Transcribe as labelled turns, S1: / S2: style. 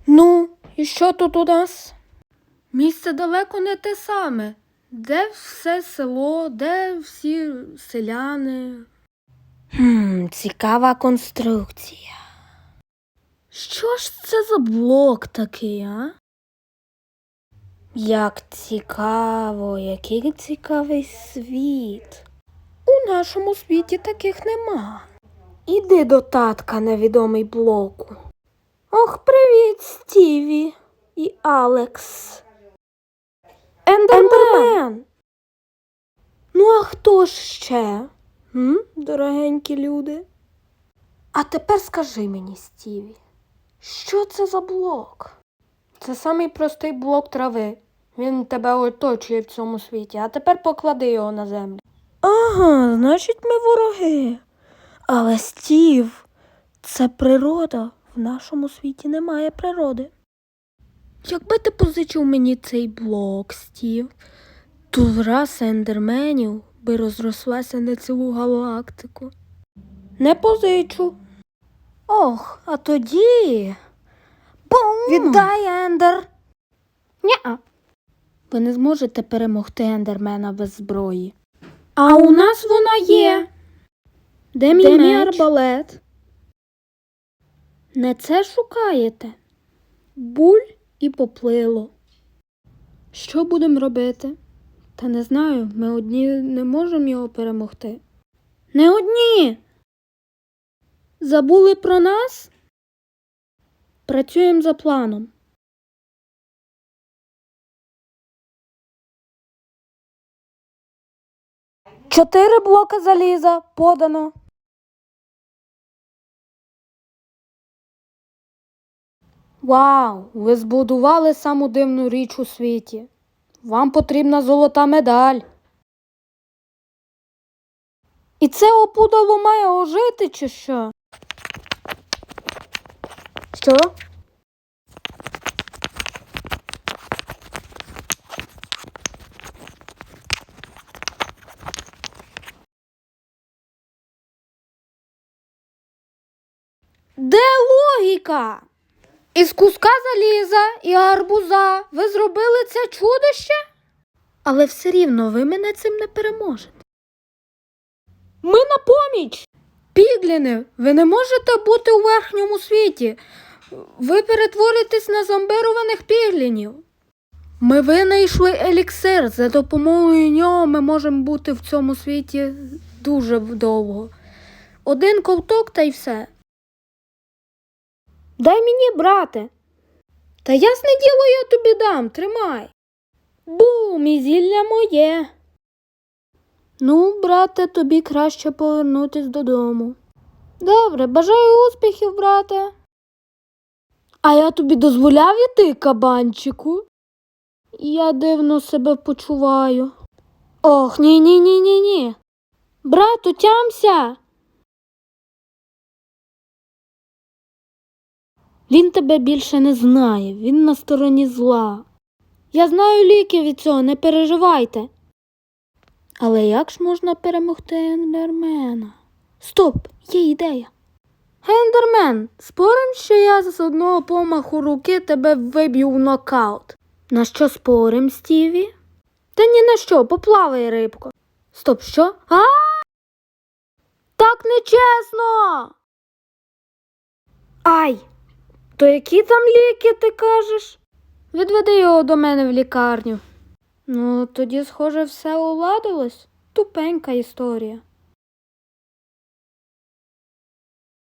S1: Ну, і що тут у нас? Місце далеко не те саме. Де все село, де всі селяни? Цікава конструкція. Що ж це за блок такий, а? Як цікаво, який цікавий світ. У нашому світі таких нема. Іди до татка, невідомий блоку. Ох, привіт, Стіві і Алекс. Ендермен! Ну, а хто ж ще? Дорогенькі люди? А тепер скажи мені, Стіві, що це за блок? Це самий простий блок трави. Він тебе оточує в цьому світі, а тепер поклади його на землю. Ага, значить ми вороги. Але, Стів, це природа. В нашому світі немає природи. Якби ти позичив мені цей блок, Стів, то раса ендерменів би розрослася на цілу галактику. Не позичу. Ох, а тоді... Бум! Віддай, Ендер! Ня-а. Ви не зможете перемогти ендермена без зброї. А у нас вона є. Де мій арбалет? Не це шукаєте? Буль і поплило. Що будемо робити? Та не знаю, ми одні не можемо його перемогти. Не одні! Забули про нас? Працюємо за планом. Чотири блоки заліза подано. Вау, ви збудували саму дивну річ у світі. Вам потрібна золота медаль. І це опудало має ожити, чи що? Що? Де логіка? Із куска заліза і гарбуза ви зробили це чудище? Але все рівно ви мене цим не переможете. Ми на поміч! Пігліни, ви не можете бути у верхньому світі. Ви перетворитесь на зомбированих піглінів. Ми винайшли еліксир. За допомогою нього ми можемо бути в цьому світі дуже довго. Один ковток та й все. Дай мені, брате. Та ясне діло, я тобі дам, тримай. Бум, і зілля моє. Ну, брате, тобі краще повернутись додому. Добре, бажаю успіхів, брате. А я тобі дозволяв іти, кабанчику? Я дивно себе почуваю. Ох, ні. Брату, тямся. Він тебе більше не знає, він на стороні зла. Я знаю ліки від цього, не переживайте. Але як ж можна перемогти ендермена? Стоп, є ідея. Ендермен, спорим, що я з одного помаху руки тебе виб'ю в нокаут? На що спорим, Стіві? Та ні на що, поплавай, рибко. Стоп, що? Так нечесно! Ай! То які там ліки, ти кажеш? Відведи його до мене в лікарню. Ну, тоді, схоже, все уладилось. Тупенька історія.